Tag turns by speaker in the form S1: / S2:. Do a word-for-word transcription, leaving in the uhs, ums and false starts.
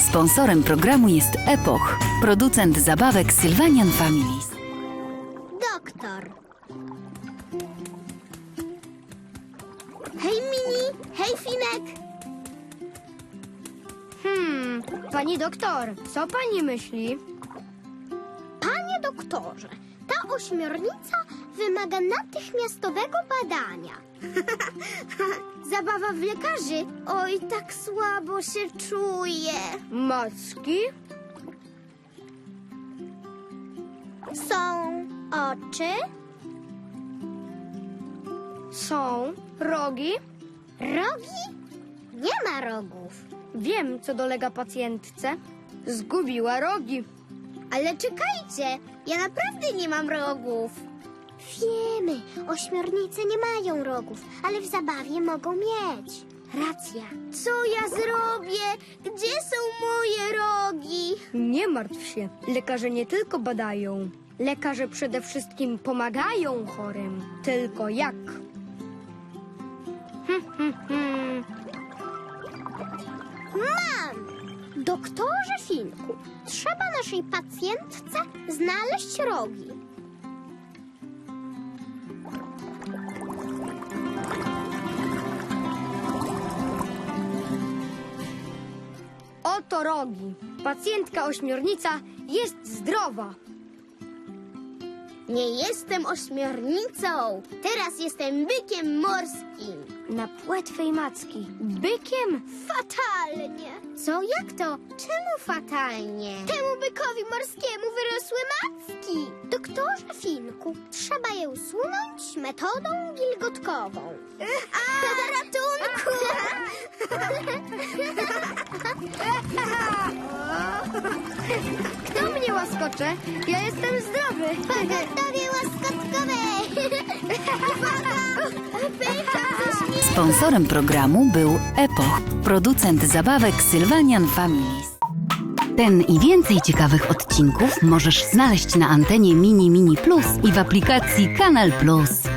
S1: Sponsorem programu jest Epoch, producent zabawek Sylvanian Families.
S2: Doktor. Hej, Mini! Hej, Finek!
S3: Hmm, pani doktor, co pani myśli?
S2: Panie doktorze, ta ośmiornica wymaga natychmiastowego badania. Zabawa w lekarzy? Oj, tak słabo się czuję.
S3: Macki?
S2: Są oczy,
S3: Są rogi?
S2: rogi? Nie ma rogów.
S3: Wiem, co dolega pacjentce. Zgubiła rogi.
S2: Ale czekajcie, ja naprawdę nie mam rogów. Wiemy, ośmiornice nie mają rogów, ale w zabawie mogą mieć. Racja. Co ja zrobię? Gdzie są moje rogi?
S3: Nie martw się, lekarze nie tylko badają. Lekarze przede wszystkim pomagają chorym. Tylko jak? Hm, hm, hm.
S2: Mam! Doktorze Finku, trzeba naszej pacjentce znaleźć rogi.
S3: Oto rogi. Pacjentka ośmiornica jest zdrowa.
S2: Nie jestem ośmiornicą, teraz jestem bykiem morskim.
S3: Na płetwej macki. Bykiem?
S2: Fatalnie. Co, jak to? Czemu fatalnie? Temu bykowi morskiemu wyrosły macki. Doktorze Finku, trzeba je usunąć metodą wilgotkową. A, ratunku!
S3: Kto mnie łaskocze? Ja jestem zdrowy.
S2: Pogotowie łaskotkowe! Uwaga! Pycha ze śmiechu!
S1: Sponsorem programu był Epoch, producent zabawek Sylvanian Families. Ten i więcej ciekawych odcinków możesz znaleźć na antenie Mini Mini Plus i w aplikacji Kanal Plus.